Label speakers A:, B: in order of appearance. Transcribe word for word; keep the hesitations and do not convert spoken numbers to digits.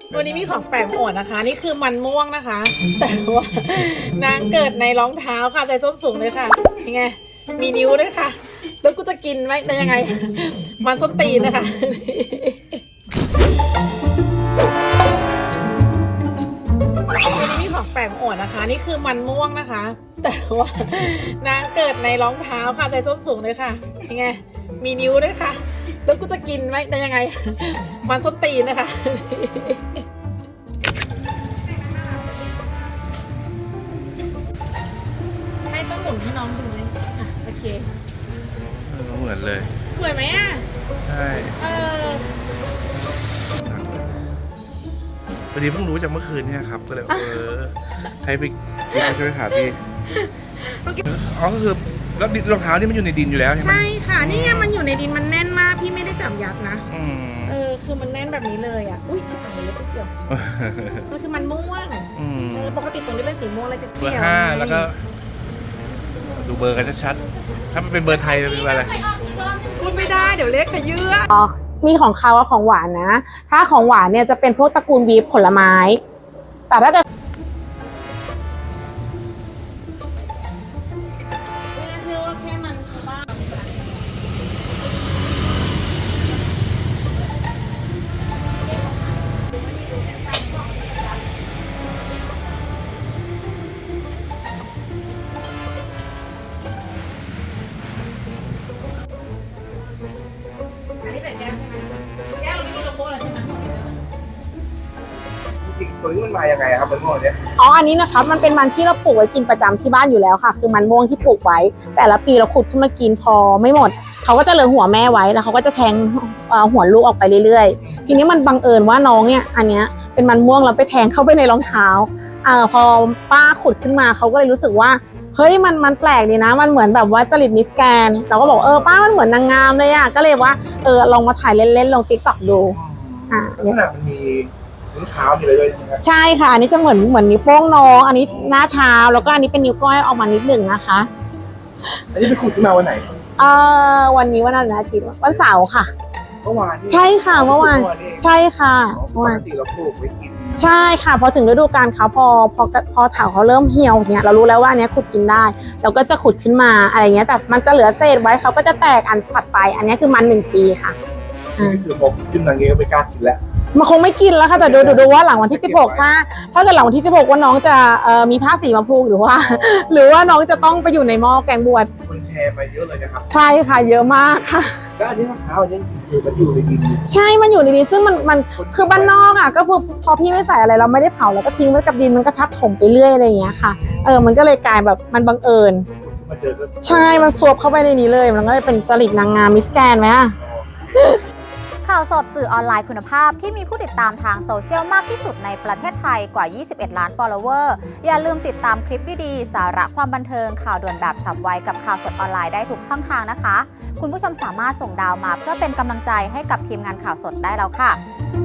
A: วันนี้มีของแปลกมาอวดนะคะ นี่คือมันม่วงนะคะ แต่ว่านางเกิดในรองเท้าค่ะใส่ส้นสูงเลยค่ะยังไงมีนิ้วด้วยค่ะ แล้วกูจะกินไหมได้ยังไง มันส้นตีนนะคะวันนี้มีของแปลกมาอวดนะคะ นี่คือมันม่วงนะคะ แต่ว่านางเกิดในรองเท้าค่ะใส่ส้นสูงเลยค่ะยังไงมีนิ้วด้วยค่ะ แล้วกูจะกินไหมได้ยังไง มันส้นตีนนะคะให้ต้องหมุนให้น้องดูเลยอ่ะโอเค
B: เหมือนเลย
A: เหมือนไหมอ่ะ
B: ใช่
A: เออ
B: พอดีเพิ่งรู้จากเมื่อคืนเนี่ยครับ ก็เลยเออให้ไปพี่มาช่วยหาพี่อ๋อก็คือแล้วรองเท้านี่มันอยู่ในดินอยู่แล้วใช่ไหม
A: ใช่ค่ะนี่ไงมันอยู่ในดินมันแน่นมากพี่ไม่ได้จับยัดนะ
B: อืม
A: เออคือมันแน่นแบบนี้เลยอ่ะอุ้ยชิบหายเลยไม่เกี่ยวมันคือมันม่วง
B: อืม
A: เออปกติตรงนี้เป็นสีม่วงเลยจะ
B: เบ
A: เกี่
B: อ
A: ยว
B: ร์ห้าแล้วก็ ดูเบอร์กันชัดๆถ้ามันเป็นเบอร์ไทยเป็นเบอร์อะไร
A: พูดไม่ได้เดี๋ยวเล็กขยื่อ
C: มีของคาวกับของหวานนะ ถ้าของหวานเนี่ยจะเป็นพวกตระกูลวีฟผลไม้ แต่ถ้าเกิด
A: ไม่น่าเชื่อว่าแค่มันชาวบ้านอันนี้เป็นแก้วใช่ไหมแก้วเราไม่มีโลโก้เลยใช่ไหม
B: จริงๆตัวนี้มันมายังไงครับมันม่วงเนี่ย
C: อ๋อ อันนี้นะคะมันเป็นมันที่เราปลูกไว้กินประจำที่บ้านอยู่แล้วค่ะ คือมันม่วงที่ปลูกไว้ แต่ละปีเราขุดขึ้นมากินพอไม่หมด เขาก็จะเหลือหัวแม่ไว้แล้วเขาก็จะแทงเอ่อหัวลูกออกไปเรื่อยๆ ทีนี้มันบังเอิญว่าน้องเนี่ยอันเนี้ยเป็นมันม่วงเราไปแทงเข้าไปในรองเท้าเอ่อพอป้าขุดขึ้นมาเขาก็เลยรู้สึกว่าเฮ้ยมันมันแปลกดีนะ มันเหมือนแบบว่าจริตมิสแกนเราก็บอกเออป้ามันเหมือนนางงามเลยอ่ะก็เลยว่าเออลองมาถ่ายเล่นๆลงติ๊กต็อกดูอ่า
B: ลักษณะมันมีนิ้วเท้ามีอะไรด้วยใช่ไหมครับ
C: ใช่ค่ะอันนี้จะเหมือนเหมือนนิ้วโป้งน้องอันนี้หน้าเท้าแล้วก็อันนี้เป็นนิ้วก้อยออกมานิดหนึ่งนะคะ
B: อันนี้ไปขุดขึ้นมาวันไหน
C: เอ่อวันนี้วันอะไรนะอาทิตย์วันเสาร์ค่ะ
B: เมื่อวานนี่
C: ใช่ค่ะเมื่อวาน
B: เอง
C: ใช่ค่ะ
B: อ๋อ
C: เมื่
B: ป
C: อวาก น
B: ติเราปลูกไว้กิน
C: ใช่ค่ะพอถึงฤดูกาลเขาพอพอพอเถาเขาเริ่มเหี่ยวเนี่ยเรารู้แล้วว่าอันเนี้ยขุดกินได้ เราก็จะขุดขึ้นมาอะไรเงี้ยแต่มันจะเหลือเศษไว้เขาก็จะแตกอันถัดไป อันเนี้ยคือมันหนึ่งปีค่ะอ่า
B: นี่คือพอขึ้นมาเงี้ยก็ไม่กล้ากินแล้ว
C: มันคงไม่กินแล้วค่ะแต่ดูดูดูว่าหลังวันที่สิบหกถ้าถ้าเกิดหลังวันที่สิบหกว่าน้องจะเอ่อมีผ้าสีมาพูกหรือว่า หรือว่าน้องจะต้องไปอยู่ในหม้อแกงบวช
B: คนแชร์ไปเยอะเลยนะครับ
C: ใช่ค่ะเยอะมากค่ะ
B: แล้วอันนี้มะพร้าวอันนี้คือมันอยู่ในดิน
C: ใช่มันอยู่ในดินซึ่งมันมันคือบ้านนอกอ่ะก็พอพอพี่ไม่ใส่อะไรเราไม่ได้เผาแล้วก็ทิ้งไว้กับดินมันก็ทับถมไปเรื่อยอะไรอย่างเงี้ยค่ะเออมันก็เลยกลายแบบมันบังเอิญ
B: มาเจอก็
C: ใช่มันซวบเข้าไปในนี้เลยมันก็เลยเป็นจริตนางงามมิสแกรนด์ไหมอ่ะ
D: ข่าวสดสื่อออนไลน์คุณภาพที่มีผู้ติดตามทางโซเชียลมากที่สุดในประเทศไทยกว่า ยี่สิบเอ็ด ล้าน follower อย่าลืมติดตามคลิปดีๆ สาระความบันเทิงข่าวด่วนแบบฉับไวกับข่าวสดออนไลน์ได้ทุกช่องทางนะคะ คุณผู้ชมสามารถส่งดาวมาเพื่อเป็นกำลังใจให้กับทีมงานข่าวสดได้แล้วค่ะ